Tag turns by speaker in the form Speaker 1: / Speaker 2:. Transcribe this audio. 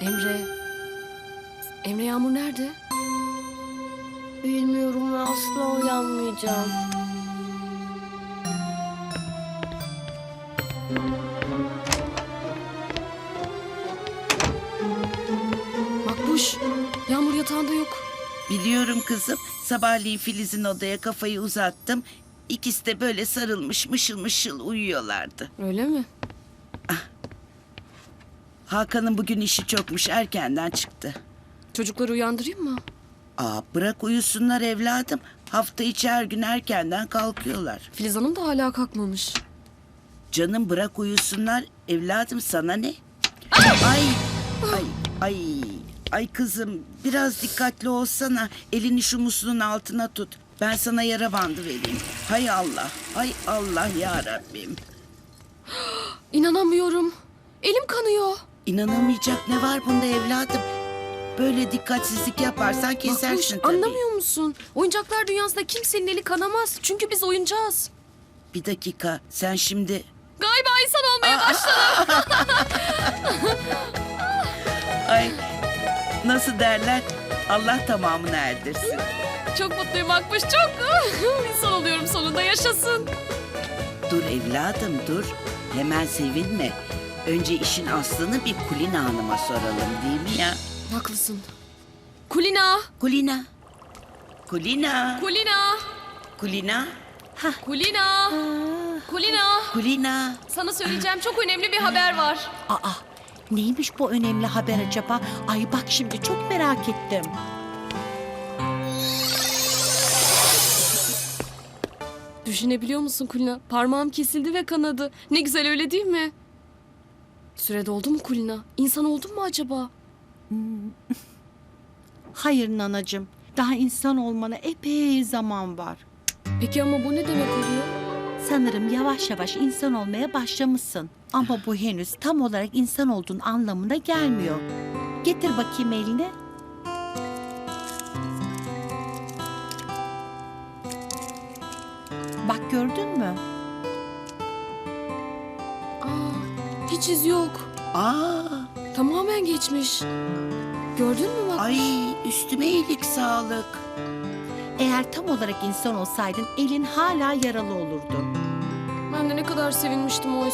Speaker 1: Emre. Emre, Yağmur nerede?
Speaker 2: Bilmiyorum ve asla uyanmayacağım.
Speaker 1: Makbuş, Yağmur yatağında yok.
Speaker 3: Biliyorum kızım. Sabahleyin Filiz'in odaya kafayı uzattım. İkisi de böyle sarılmış mışıl mışıl uyuyorlardı.
Speaker 1: Öyle mi?
Speaker 3: Hakan'ın bugün işi çokmuş, erkenden çıktı.
Speaker 1: Çocukları uyandırayım mı?
Speaker 3: Bırak uyusunlar evladım. Hafta içi her gün erkenden kalkıyorlar.
Speaker 1: Filiz Hanım da hala kalkmamış.
Speaker 3: Canım bırak uyusunlar evladım, sana ne? Ay ay ay kızım, biraz dikkatli olsana. Elini şu musluğun altına tut. Ben sana yara bandı vereyim. Hay Allah, hay Allah ya Rabbim.
Speaker 1: İnanamıyorum. Elim kanıyor.
Speaker 3: İnanamayacak ne var bunda evladım? Böyle dikkatsizlik yaparsan kesersin
Speaker 1: Makbuş,
Speaker 3: tabii.
Speaker 1: anlamıyor musun? Oyuncaklar dünyasında kimsenin eli kanamaz. Çünkü biz oyuncağız.
Speaker 3: Bir dakika, sen şimdi...
Speaker 1: Galiba insan olmaya başladım.
Speaker 3: Ay, nasıl derler? Allah tamamını erdirsin.
Speaker 1: Çok mutluyum Makbuş, çok. İnsan oluyorum sonunda, yaşasın.
Speaker 3: Dur evladım dur. Hemen sevinme. Önce işin aslını bir Kulina Hanım'a soralım, değil mi ya?
Speaker 1: Haklısın. Kulina,
Speaker 3: Kulina. Kulina.
Speaker 1: Kulina,
Speaker 3: Kulina.
Speaker 1: Kulina, Kulina.
Speaker 3: Kulina.
Speaker 1: Sana söyleyeceğim çok önemli bir haber var.
Speaker 4: Aa, neymiş bu önemli haber acaba? Ay bak şimdi çok merak ettim.
Speaker 1: Düşünebiliyor musun Kulina? Parmağım kesildi ve kanadı. Ne güzel, öyle değil mi? Süre doldu mu Kulina? İnsan oldun mu acaba?
Speaker 4: Hayır nanacığım, daha insan olmana epey zaman var.
Speaker 1: Peki ama bu ne demek oluyor?
Speaker 4: Sanırım yavaş yavaş insan olmaya başlamışsın. Ama bu henüz tam olarak insan olduğun anlamına gelmiyor. Getir bakayım elini. Bak gördün mü?
Speaker 1: Hiç iz yok.
Speaker 3: Aa,
Speaker 1: Tamamen geçmiş. Gördün mü Makbuş?
Speaker 3: ay üstüme iyilik sağlık.
Speaker 4: Eğer tam olarak insan olsaydın elin hala yaralı olurdu.
Speaker 1: Ben de ne kadar sevinmiştim oysa.